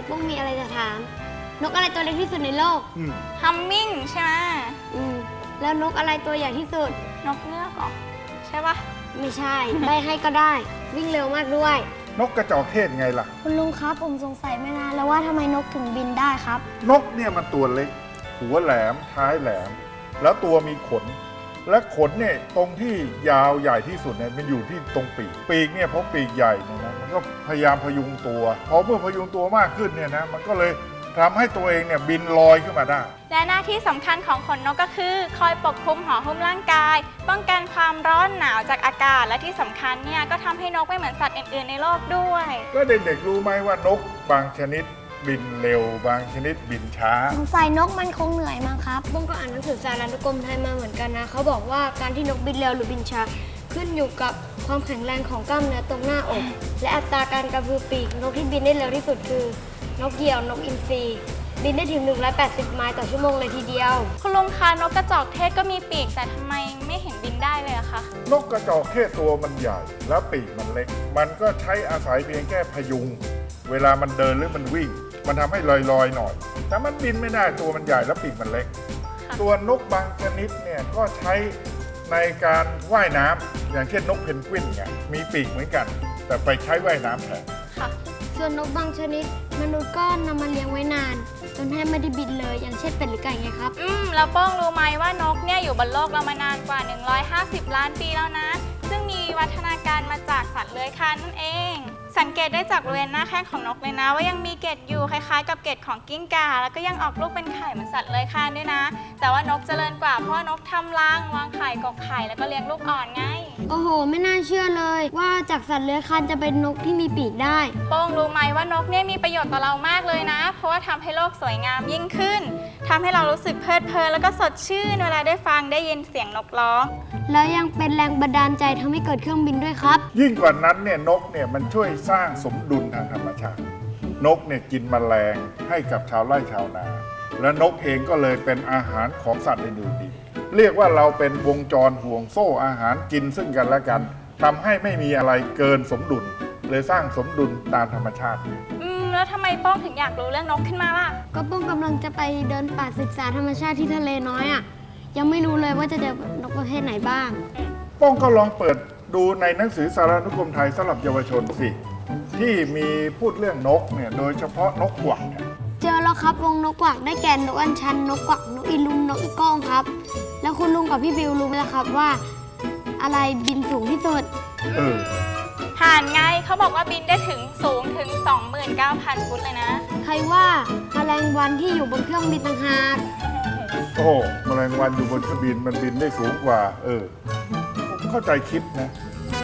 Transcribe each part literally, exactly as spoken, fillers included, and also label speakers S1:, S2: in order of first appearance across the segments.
S1: ปุ้งมีอะไรจะถาม นกอะไรตัวเล็กที่สุดในโลก
S2: อืม
S3: ฮัมมิงใช่ไหม
S1: อืมแล้วนกอะไรตัวใหญ่ที่สุด
S3: นกเงือกเหรอใช่ปะ
S1: ไม่ใช่ ใบให้ก็ได้ วิ่งเร็วมากด้วย
S2: นกกระจอกเทศไงล่ะ
S1: คุณลุงครับผมสงสัยมานานแล้วว่าทำไมนกถึงบินได้ครับ
S2: นกเนี่ยมันตัวเล็ก หัวแหลมท้ายแหลม แล้วตัวมีขน และขนเนี่ยตรงที่ยาวใหญ่ที่สุดเนี่ยมันอยู่ที่ตรงปีก ปีกเนี่ยเพราะปีกใหญ่เนี่ยนะมันก็พยายามพยุงตัวพอเมื่อพยุงตัวมากขึ้นเนี่ยนะมันก็เลยทำให้ตัวเองเนี่ยบินลอยขึ้นมาได้
S3: และหน้าที่สำคัญของขนนกก็คือ คอยปกคลุมห่อหุ้มร่างกาย ป้องกันความร้อนหนาวจากอากาศและที่สำคัญเนี่ยก็ทำให้นกไม่เหมือนสัตว์อื่นๆในโลกด้วย
S2: ก็เด็กๆรู้ไหมว่านกบางชนิดบินเร็ว บางชนิดบินช้า
S1: สงสัยนกมันคงเหนื่อยมั้งครับบุ้งก็อ่านหนังสือสารานุกรมไทยมาเหมือนกันนะเขาบอกว่าการที่นกบินเร็วหรือบินช้าขึ้นอยู่กับความแข็งแรงของกล้ามเนื้อตรงหน้าอก และอัตราการกระพือปีกนกที่บินได้เร็วที่สุดคือ นกเหยี่ยวนกอินทรีบินได้ถึงหนึ่งร้อยแปดสิบไมล์ต่อชั่วโมงเลยทีเดียว
S3: คุณลุงคะนกกระจอกเทศก็มีปีกแต่ทำไมไม่เห็นบินได้เลยอะคะ
S2: นกกระจอกเทศตัวมันใหญ่ แล้วปีกมันเล็ก มันก็ใช้อาศัยเพียงแค่พยุง เวลามันเดินหรือมันวิ่ง มันทำให้ลอยๆหน่อย แต่มันบินไม่ได้ตัวมันใหญ่แล้วปีกมันเล็ก ตัวนกบางชนิดเนี่ยก็ใช้ในการว่ายน้ำอย่างเช่นนกเพนกวินเนี่ยมีปีกเหมือนกัน แต่ไปใช้ว่ายน้ำแทน
S3: ค่ะ
S1: ส่วนนกบางชนิด มนุษย์ก็นำมาเลี้ยงไว้นาน จนแทบไม่ได้บินเลย อย่างเช่นเป็ดหรือไก่ไงครับ
S3: อืมแล้วโป้งรู้ไหมว่านกเนี่ยอยู่บนโลกเรามานานกว่า หนึ่งร้อยห้าสิบ ล้านปีแล้วนะ ซึ่งมีวิวัฒนาการมาจากสัตว์เลื้อยคลานนั่นเอง สังเกตได้จากบริเวณหน้าแข้งของนกเลยนะ ว่ายังมีเกล็ดอยู่คล้ายๆ กับเกล็ดของกิ้งก่าแล้วก็ยังออกลูกเป็นไข่เหมือนสัตว์เลื้อยคลานด้วยนะ แต่ว่านกเจริญกว่าเพราะว่านกทำรังวางไข่กกไข่แล้วก็เลี้ยงลูกอ่อนไง
S1: โอ้โห ไม่น่าเชื่อเลย ว่าจากสัตว์เลื้อยคลานจะเป็นนกที่มีปีกได้
S3: โป้งรู้ไหมว่านกเนี่ยมีประโยชน์ต่อเรามากเลยนะ เพราะว่าทำให้โลกสวยงามยิ่งขึ้นทำให้เรารู้สึกเพลิดเพลินแล้วก็สดชื่นเวลาได้ฟังได้ยินเสียงนกร้อง
S1: แล้วยังเป็นแรงบันดาลใจทำให้เกิดเครื่องบินด้วยครับ
S2: ยิ่งกว่านั้นเนี่ยนกเนี่ยมันช่วยสร้างสมดุลทางธรรมชาติ นกเนี่ยกินแมลงให้กับชาวไร่ชาวนา และนกเองก็เลยเป็นอาหารของสัตว์อื่นๆอีกเรียกว่าเราเป็นวงจรห่วงโซ่อาหารกินซึ่งกันและกันทำให้ไม่มีอะไรเกินสมดุลเลยสร้างสมดุลตามธรรมชาติ
S3: อืมแล้วทำไมโป้งถึงอยากรู้เรื่องนกขึ้นมาล่ะ
S1: ก็ป้องกำลังจะไปเดินป่าศึกษาธรรมชาติที่ทะเลน้อยอ่ะ ยังไม่รู้เลยว่าจะเจอนกประเภทไหนบ้าง
S2: ป้องก็ลองเปิดดูในหนังสือสารานุกรมไทยสำหรับเยาวชนสิที่มีพูดเรื่องนกเนี่ยโดยเฉพาะนกกวักเนี่ย
S1: เจอแล้วครับวงนกกวักได้แก่นกอัญชัน นกกวัก นกอีลุม นกอีก้องครับ แล้วคุณลุงกับพี่บิวรู้ไหมล่ะครับว่า อะไรบินสูงที่สุด
S2: เออ
S3: ห่านไงเขาบอกว่าบินได้ถึงสูงถึง สองหมื่นเก้าพัน ฟุตเลยนะ
S1: ใครว่าแมลงวันที่อยู่บนเครื่องบินต่างหาก
S2: โอ้โหแมลงวันอยู่บนเครื่องบินมันบินได้สูงกว่า เออผมเข้าใจคิดนะ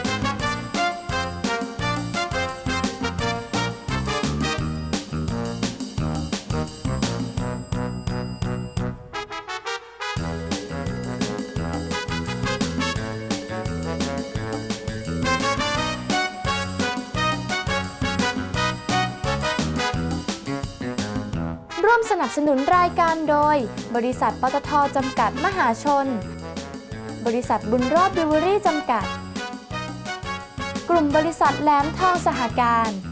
S4: ร่วมสนับสนุนรายการโดยบริษัทปตท.จำกัดมหาชน บริษัทบุญรอดบิวเวอรี่จำกัด กลุ่มบริษัทแหลมทองสหการ